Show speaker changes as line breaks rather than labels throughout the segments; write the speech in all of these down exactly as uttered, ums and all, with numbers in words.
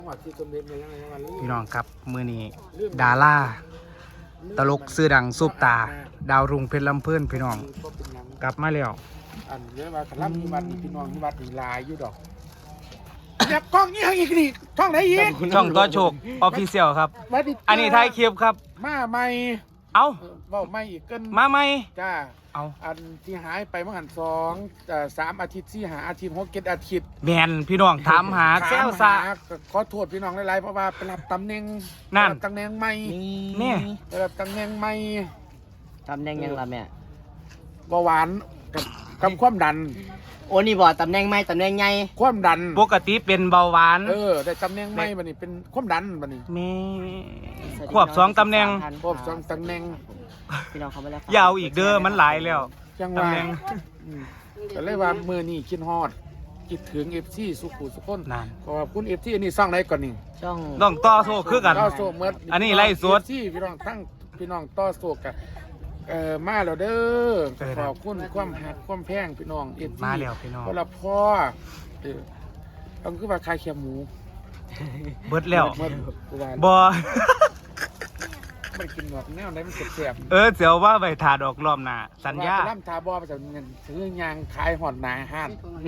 พี่น้องครับมือนี้ดาราตลกซื้อดังซุปตาดาวรุ่งเพชรลำเพื่อนพี่น้องกลับมาแล้ว
อันเนี้ยว่าขลังมีวัดพี่น้องมีวัดมีลายอยู่ดอกอยากกล้องนี้อีกนี่ช่องไหนอีก
ช่องต่อโชคออฟฟิเชียลครับอันนี้ไทยคลิปครับ
มาใหม่
เอา
เว้าใหม่อีกเกิน
มาใหม่
จ้า
เอา
อันที่หายไปเมื่อหันสองสามอาทิตย์ที่หาอาทิตย์หกเจ็ดอาทิตย์
แมนพี่น้องถามหาแซวซา
ขอโทษพี่น้องหลายๆเพราะว่าไปรับตำแหน่ง
นั่น
ตำแหน่งใหม่
เนี่ย
ไปรับตำแหน่งใหม่
ตำแหน่งยังล่ะแม่
เบาหวานกับกับความดัน
โอ้นี่บอกตำแหน่งใหม่ตำแหน่งใหญ่
ความดัน
ปกติเป็นเบาหวาน
เออแต่ตำแหน่งใหม่บัดนี้เป็นความดันบัดนี้
แม่ควบสองตำแหน่ง
ควบสองตำแหน่ง
พี่น้องเขาไม่แล้ว
ยาวอีกเด้อมันหลายแล้ว
ตำแหน่งก็เลยว่ามือนี่คิดฮอดคิดถึงเอฟซีสุขุสุขคนขอบคุณเอฟซีอันนี้สร้างไหนก่อนนี่
ช่อง
ต้องต่อโซ่คือกัน
ต่อโซ่เมื่อ
อันนี้ไล่สวด
ที่พี่น้องทั้งพี่น้องต่อโซ่กันเออมาแล้วเด้อขอบคุณความหักความแพงพี่น้องเอฟซี
มาแล้วพี่น้อง
เพราะเราพ่อเออต้องคือว่าคายเขียหมู
เบิดแล้วบอ
มันกินหมดแนวไหนมันเสียบ
เออเสียวว่าไปถาดอกรอบหน้าสัญญา
ล่ำทาบอไปจากเงินซื้อยางขายหอดนาห้าน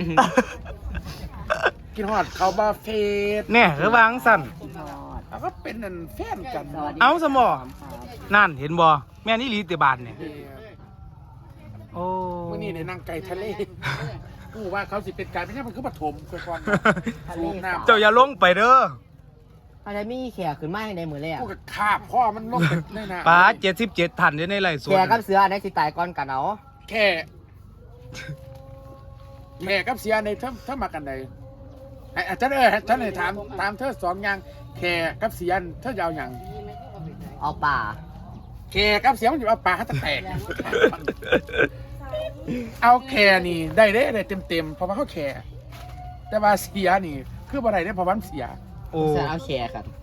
กินหอดเขาบาเฟส
เนี่ยคือวางสั่น
แล้วก็เป็นนั่นแฟนกัน
เอาสมอนั่นเห็นบอแม่นี่ลีติบานเนี่ยโอ้
มื่อนี้ในนางไก่ทะเลกูว่าเขาสิเป็นการไม่ใช่มันคือปฐมคือก่อน
เจ้าอย่าลงไปเด้อ
อะไรมีแขกขึ้นมาในมือเลยอ่ะ
กูกับข้าพ่อมันลงไปในน้
ำป้าเจ็ดสิบเจ็ดทันอยู่ในไรสวน
แขกกับเสือในสิตายก่อนกันเอา
แค่แม่กับเสือในเท่าเท่ามากันไหนไอ้ฉันเออฉันเลยถามถามเธอสองอย่างแค่กับเสือเธอยาวอย่าง
เอาป่า
แค่กับเสือมันอยู่เอาป่าให้แตกเอาแค่นี่ได้ได้ได้เต็มเต็มเพราะว่าเขาแค่แต่ว่าเสียนี่คือบ่ได้ได้เพราะว่าเสีย
โอ้เอาแชร์ครับ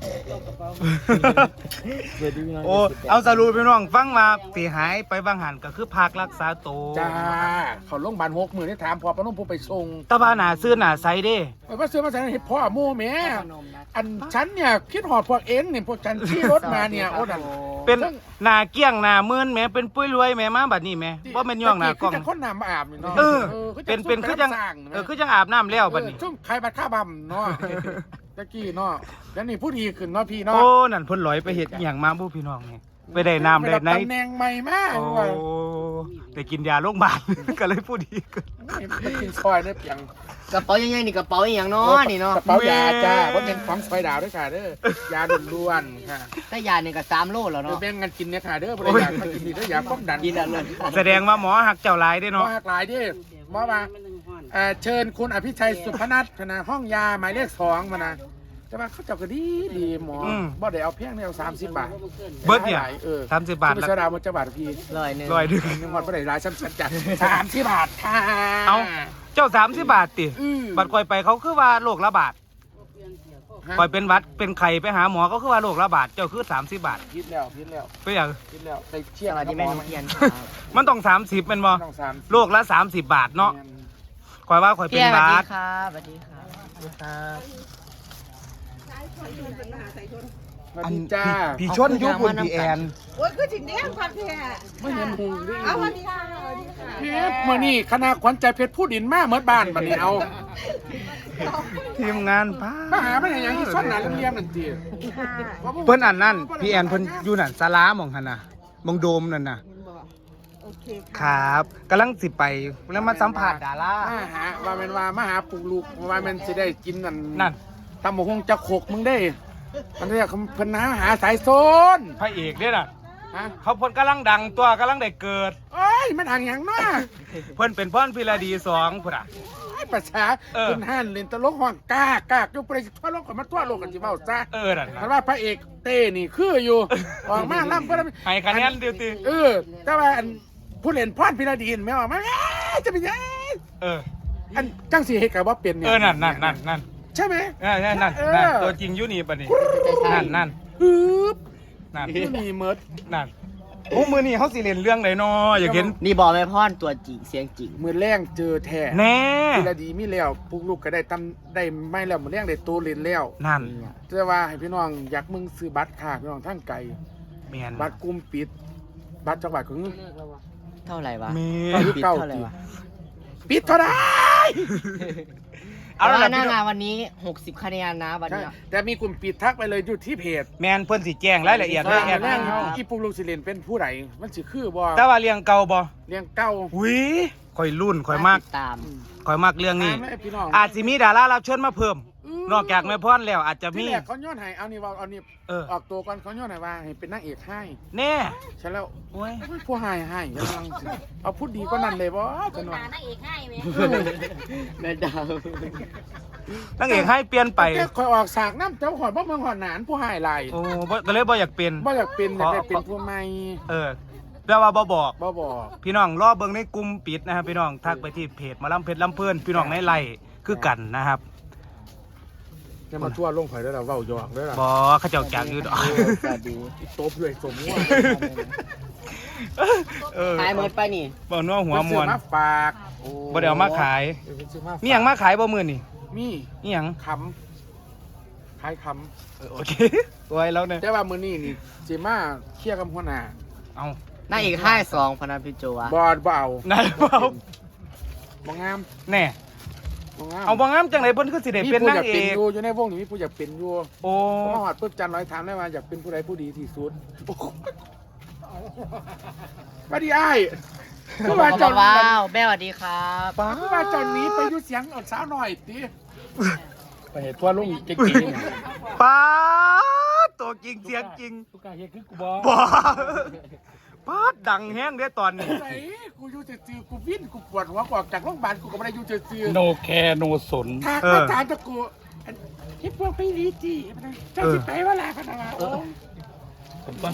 โอ้เอาสรุปพี่น้องฟังมาตีหายไปบางหันก็คือพักรักษาตัว
จ้าเขาลงพยาบาลหกหมื่นที่ถามพอปนุ่มผู้ไปส่ง
ตาบ้าหนาซื้อหนาไซเด้
ไอ้ว่าซื้อมาใส่เห็ดพ่อโม่แม่อันฉันเนี่ยคิดหอดพวกเอ็นเนี่ยพวกฉันที่รถมาเนี่ยโอ้ดัน
เป็นหนาเกี้ยงหนาเมื่นแม่เป็นปุ้ยรวยแม่มาบัดนี้แม่ว่าเป็นย่องหนากล้อง
คนน้ำมาอาบเนาะ
เออเป็นเป็นคือจังเออคือจังอาบน้ำแล้วบัดนี้
ช่วงใครบัดข้าบัมเนาะตะกี้เนาะแล้วนี่ผู้ดีขึ้นเนาะพี่เนาะ
โอ้นั่นเพิ่นลอยไปเฮ็ดอย่างมาบุพี่น้องนี่ไปได้น้ำได้ไหน
ตำแหน่งใหม่มาก
โอ้ได้กินยาโรงพยาบาลก็เลยผู้ดีขึ้น
ไปกินซอยเนี่ยอย่าง
กระเป๋ายังไงนี่กระเป๋าอย่างเนาะนี่เนาะ
กระเป๋ายาจ้าว่าเป็นของซอยดาวด้วยค่ะเด้อยาล้วนๆค่ะ
ถ้ายาเนี่ยก็สามโลแล้วเนาะ
แบ่งกันกินเนี่ยค่ะเด้อบ่ได้อยากมากินนี่เด้อยาความดัน
กินอะไร
แสดงว่าหมอหักเจ้าหลายได้เนาะ
หมอหักหลายดิหมอว่าเชิญคุณอภิชัยสุพนัทนะห้องยาหมายเลขสองมานะแต่ว่าเขาเจ้าก็ดีดีหมอบ่ได้เอาเพียงเนี่ยเอาสามสิบบาท
เบิร์ดเนี่ยสามสิบบาท
แล้วดาวมันจะบาทพี่
ร้อยหนึ่ง
ร้อยหนึ่ง
ยังวันบ่ได้รายชั้นชั้นจัดสามสิบบาทค่ะ
เอาเจ้าสามสิบบาทติบัตรคอยไปเขาคือว่าโรคระบาดคอยเป็นวัดเป็นไข้ไปหาหมอก็คือว่าโรคระบาดเจ้าคือสามสิบบาท
พิษแล้วพิษแล้ว
ไปอย่าง
พิษแล้วไปเชี่ย
อะไรที่แม่นุ่งเทียน
มันต้องสามสิบเป็นบ่โรคละสามสิบบาทเนาะคอยว่าคอยเป็นบาท
ครับสวัสดีครับสวัสดีครับ
อันจ้า
พี่ชนยุบุญพี่แอน
โอ้ยคือจริงเนี่ยความแท้
ไม่เห็นหงด้วย
เอาวันนี้ค่ะวันนี้ค่ะ
เพชรเมื่อนี่คณะขวัญใจเพชรผู้ดินมาเมื่อบ้านบันนี้เอา
ทีมงานป้า
มาหาไม่เห็นอย่างที่ซ้อนหนาเรียมนั่นจี
เพิ่นอันนั่นพี่แอนเพิ่นอยู่นั่นศาลามองหันน่ะมองโดมนั่นน่ะครับกำลังสิไปแล้วมาสัมผัสดารา
มาหาว่าเป็นว่ามาหาปลูกลูกว่าเป็นสิได้กินนั่น
นั่น
ตำหมกฮงจะโขกมึงได้มันเรียกเพิ่นหาหาสายโซน
พระเอกเนี่ยน่ะเขาเพิ่นกำลังดังตัวกำลังได้เกิด
เอ้ยมันห่างอย่างน้า
เพิ่นเป็นพ่อนพิรดีสองพุ่นอ่ะ
ภาษาคุณฮั่นเล่นตลกห้องกากากอยู่ไปทั่วโลกกันมาทั่วโลกกันจิเว้าซะ
เออนั่น
เพราะว่าพระเอกเต้นี่คืออยู่ออกมาล่ำก็
ให้คะแนนดิวติ
เออแต่ว่าผู้เล่นพ่อนพิรดีไม่ออกมาจะเป็นยัง
เออ
อันจังสิเฮ็ดก็บ่เป็นเนี่ย
เออนั่นนั่นนั่นนั่น
ใช่ไหม
ใช่ใช่นั่นตัวจริงอยู่นี่ปะนี่นั่นนั่น
ฮึบ
นั่น
นี่เมิร์ด
นั่นโอ้มือนี่เขาสิเล่นเรื่องไหนนออยากเห็น
นี่บอกแม่พ่อนตัวจริงเสียงจริง
มือแรงเจอแท้
แน่
ทีละดีมีแล้วพวกลูกก็ได้ตำได้ไม่แล้วมือแรงได้โตเล่นแล้ว
นั่น
แต่ว่าให้พี่น้องอยากมึงซื้อบัตรค่ะพี่น้องทั้งไกล
แมน
บัตรกลุ่มปิด บัตรจังหวัดของ
เท่าไหร่วะ
แม
เอ
น
อ
ปิด
เก้า
เท่าไหร่วะ
ปิดเท่าไหร่
เอา
เอา
ละ
ละ
หน้า
พี่น้
งา
อน ง
วันนี้หกสิบคะแนนนะวัน
ใช่
เนี้ย
แต่มีกลุ่มปิดทักไปเลยอยู่ที่เพจ
แมนเพิ่นสิแจ้งรายละเอียด
เอ
ไว้
อ
แอด
แร
มิ
ง
นเฮา
อีปุกลูกสิเลนเป็นผู้ใดมันสิคือบ่
แต่ว่าเลี้ยงเก่าบ่
เลี้ยงเก้า
หุยข่อยรุ่นข่อยมาก
ติดตาม
ข่อยมากเรื่องนี้
ถามให้พี่น้อง
อาจสิมีดารารับเชิญมาเพิ่ม นอกจากแม่พรแล้วอาจจะ
ที่
มี
แรกเขาย้อนให้เอานี่ว่าเอานี่
เออ
ออกตัวก่อนเขาย้อนให้ว่าให้เป็นนางเอกให้
แน่
ใช่แล้ว
โอ้ย
ผู้ให้ให้กำลังสิเอาพูดดีก็นั่นเลยบ่จังหวะ
นางเอกให้ไหม
แม่ดาวน
างเอกให้เปลี่ยนไป
แต่คอยออกสากน้ำเจ้าหอดบ่เมืองหอดหนานผู้ให้หลาย
โอ้บ่ก็เลยบ่อยากเป็น
บ่อยากเป็นอยากได้เป็นผู้ใหม่
เออแปลว่าบ่บอก
บ่บอก
พี่น้องรอเบิ่งในกลุ่มปิดนะครับพี่น้องทักไปที่เพจหมาลำเพชรลำเพื่อนพี่น้องในไลน์คือกันนะครับ
จะมาทั่วลงข่อยได้ล่ะเว้าหยอกได้ล่ะ
บอเขาเจ้าจากอยู่ดอก
สวัสดี
ตบด้วยสมว่า
เออ
ตายหมดไปนี่
บ่นัวหัวมวน
เพิ่นซื้อมาฝากโอ้
บ่ได้เอามาขาย
เพิ่นซื้อมาฝาก
มีหยังมาขายบ่มื้อนี่
มี
มีหยัง
คำขายค
เออโอเคไว้แล้วเนี่ย
ำแต่ว่ามื้อนี้นี่สิมาเคลียร์กับหัวหน้า
เอา
หน้าอีกห้าสองพนันพิโจวะ
บอดบ่เอา
นายเปล่า
บ่งาม
แน่
บ่งาม
เอาบ่งามจังไดเพิ่นคือสิได้
มี
เป็น
ผู้
นา
อง ยาก
เอ
เป็น
ก
อยู่อยู่ในวงนี้มีผู้อยากเป็นอยู่
โอ้
ผมมาหอดปุ๊บจันร้อยถามได้ว่าอยากเป็นผู้ใดผู้ดีที่สุดมาดีอ้ายคือว่าเจอน
ว้าวแม่สวัสดีครับ
ป้า
คือว่าเจอนนี้ไปอยู่เสียงอดสาวหน่อยติไปเห็นตัวลุงเก่ง
ป้าตัวจริงเสียงจริง
ๆทุกการเฮ็ดคือกูบ่
บ่ป้าดังแฮงเด้อตอนนี้
ไหนกูอยู่ซื่อๆกูวิ่นกูปวดหัวกูออกจากโรงพยาบาลกูก็ไม่ได้อยู่ซื่อๆ
โนแคร์โนสน
ทางมาถามตะกูอันที่พวกพี่ลีจีเจ้าสิไปว่าลาพนักงานโอ้